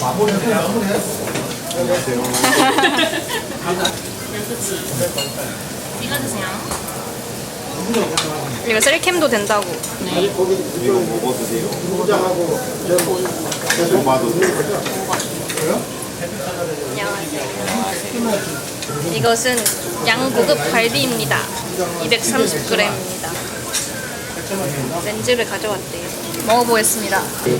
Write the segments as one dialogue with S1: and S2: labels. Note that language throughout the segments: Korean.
S1: 이거 드세요.
S2: 이거 셀캠도 된다고.
S1: 네.
S3: 이거 먹어도 돼요? 먹어도 돼요?
S2: 안녕하세요. 이것은 양고급 갈비입니다. 230g입니다. 렌즈를 가져왔대요. 먹어보겠습니다.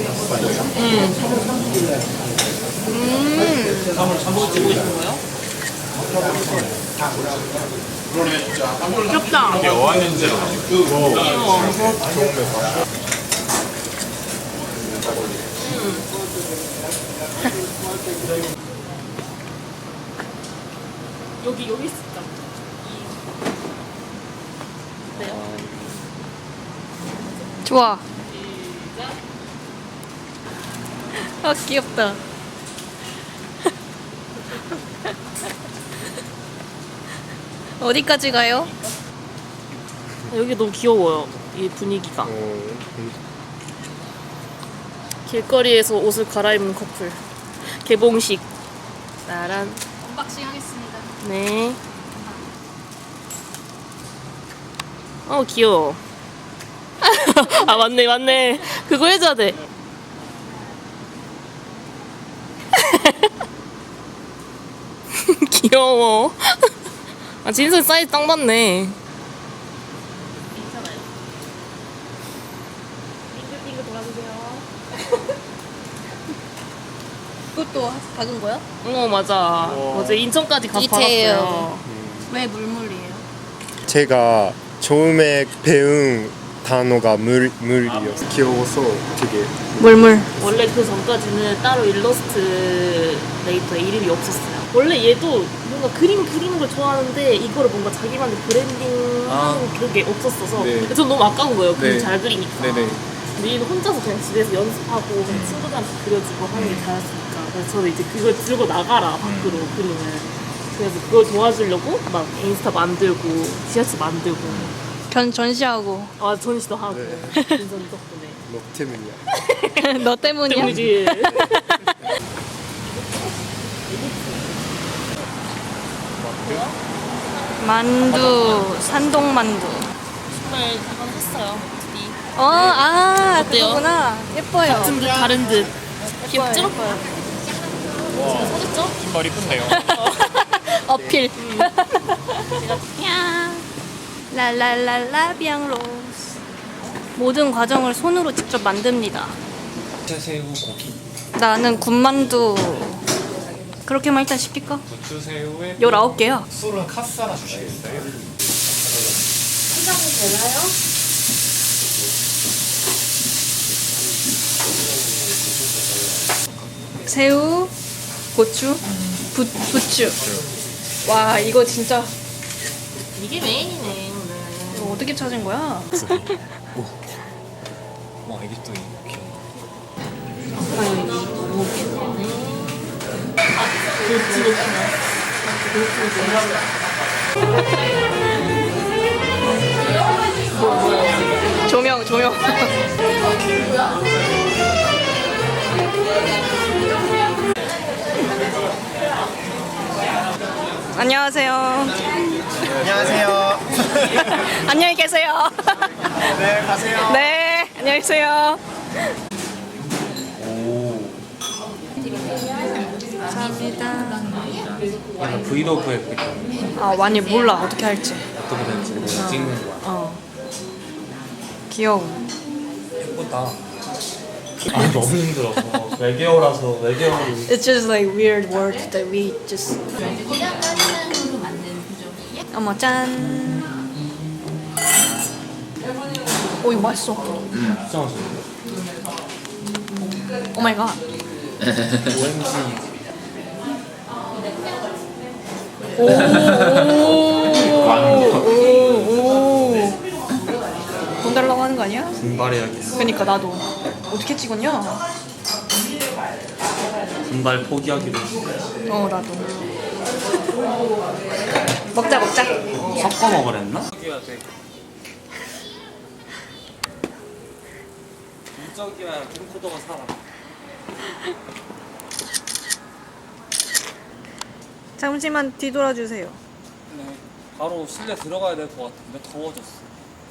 S1: 귀엽다.
S3: 어안인지라
S1: 여기 있었다.
S2: 좋아. 아 귀엽다. 어디까지 가요?
S1: 여기 너무 귀여워요. 이 분위기가. 길거리에서 옷을 갈아입는 커플. 개봉식. 나란.
S2: 언박싱 하겠습니다.
S1: 네. 귀여워. 아 맞네. 그거 해줘야 돼. 귀여워. 아 진솔 사이즈 딱 맞네. 괜찮아요. 빙글빙글 돌아주세요.
S2: 이것도 박은 거야?
S1: 맞아. 어제 인천까지 가서
S2: 디테일.
S1: 받았어요.
S2: 왜 물물이에요?
S3: 제가 처음에 배운 단어가 물이었어요. 귀여워서 되게
S2: 물물.
S1: 원래 그 전까지는 따로 일러스트레이터에 이름이 없었어요. 원래 얘도 뭔가 그림 그리는 걸 좋아하는데 이거를 뭔가 자기만의 브랜딩하는 그게 없었어서
S3: 네.
S1: 전 너무 아까운 거예요. 그림
S3: 네.
S1: 잘 그리니까.
S3: 네네.
S1: 근데 얘는 혼자서 그냥 집에서 연습하고 그냥 친구들한테 그려주고 하는 게 잘했으니까 그래서 저는 이제 그걸 들고 나가라 밖으로 그림을. 그래서 그걸 도와주려고 막 인스타 만들고 지하철 만들고
S2: 전시하고.
S1: 아 전시도 하고
S3: 네.
S1: 인선 덕분에
S3: 너 때문이야.
S2: 너 때문이야?
S1: 때문이지.
S2: 만두, 산동만두.
S1: 정말 한번 했어요. 어때요?
S2: 그거구나. 예뻐요.
S1: 같은 듯 다른 듯. 귀엽죠?
S2: 예뻐요.
S1: 사줬죠?
S3: 신발 이쁜데요.
S2: 어필. 야. 랄랄랄라 비앙로스. 모든 과정을 손으로 직접 만듭니다.
S4: 새우 고기,
S2: 나는 군만두. 그렇게만 일단 시킬까?
S4: 부추새우에
S2: 19개요.
S4: 술은 카스 하나 주시겠어요?
S2: 새우, 고추, 부추. 와, 이거 진짜
S1: 이게 메인이네 오늘.
S2: 이거 어떻게 찾은 거야?
S4: 와 이게 또 이렇게
S2: 조명. 안녕하세요.
S3: 안녕하세요.
S2: 안녕히 계세요.
S3: 네, 가세요.
S2: 네, 안녕히 계세요. 감사합니다.
S4: 약간 브이로그에 그렇게
S2: 아, 많이 몰라. 어떻게 할지.
S4: 어떻게 되는지 그냥 찍는 거야.
S2: 귀여워.
S4: 예쁘다. 아 너무 힘들어서 외계어라서 외계어를
S2: It's just like weird words that we just. 어머 짠. 오 이거 맛있어.
S4: 진짜 맛있는데.
S2: 오 마이 갓.
S4: OMG
S2: 오. 돈 달라고 하는 거 아니야?
S4: 분발해야겠어.
S2: 그러니까 나도 어떻게 찍었냐?
S4: 분발 포기하기로
S2: 나도. 먹자.
S4: 섞어 먹으랬나? 포기해야 돼. 무적이야 캠코더가 살아.
S2: 잠시만 뒤돌아 주세요.
S4: 네, 바로 실내 들어가야 될 것 같은데 더워졌어.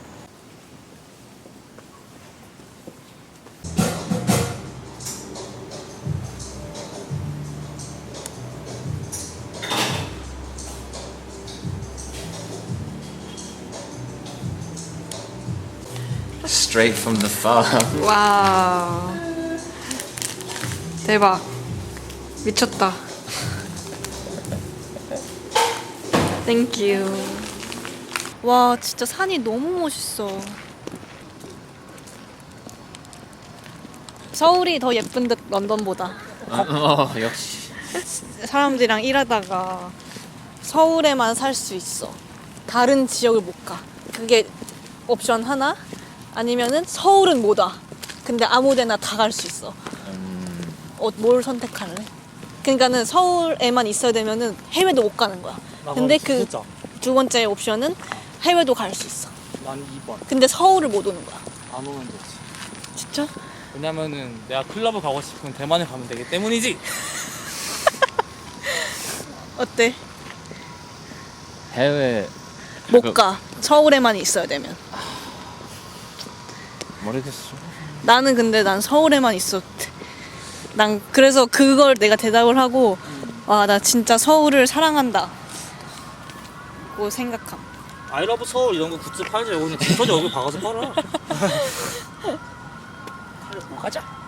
S5: Straight from the farm.
S2: 와. 대박. 미쳤다. 땡큐. 와, 진짜 산이 너무 멋있어. 서울이 더 예쁜 듯 런던보다.
S5: 역시.
S2: 사람들이랑 일하다가 서울에만 살 수 있어. 다른 지역을 못 가. 그게 옵션 하나? 아니면은 서울은 못 와. 근데 아무데나 다 갈 수 있어. 뭘 선택할래? 그러니까는 서울에만 있어야 되면은 해외도 못 가는 거야. 근데 그 두 번째 옵션은 해외도 갈 수 있어.
S6: 난 2번.
S2: 근데 서울을 못 오는 거야.
S6: 안 오면 되지.
S2: 진짜?
S6: 왜냐면은 내가 클럽을 가고 싶으면 대만에 가면 되기 때문이지.
S2: 어때?
S5: 해외
S2: 못 가. 서울에만 있어야 되면.
S5: 모르겠어.
S2: 나는 근데 난 서울에만 있었대. 난 그래서 그걸 내가 대답을 하고 와, 나 진짜 서울을 사랑한다 고 생각함.
S6: 아이러브 서울 이런 거 굿즈 팔지. 그냥 붙어져 얼굴 박아서 팔아. 가자.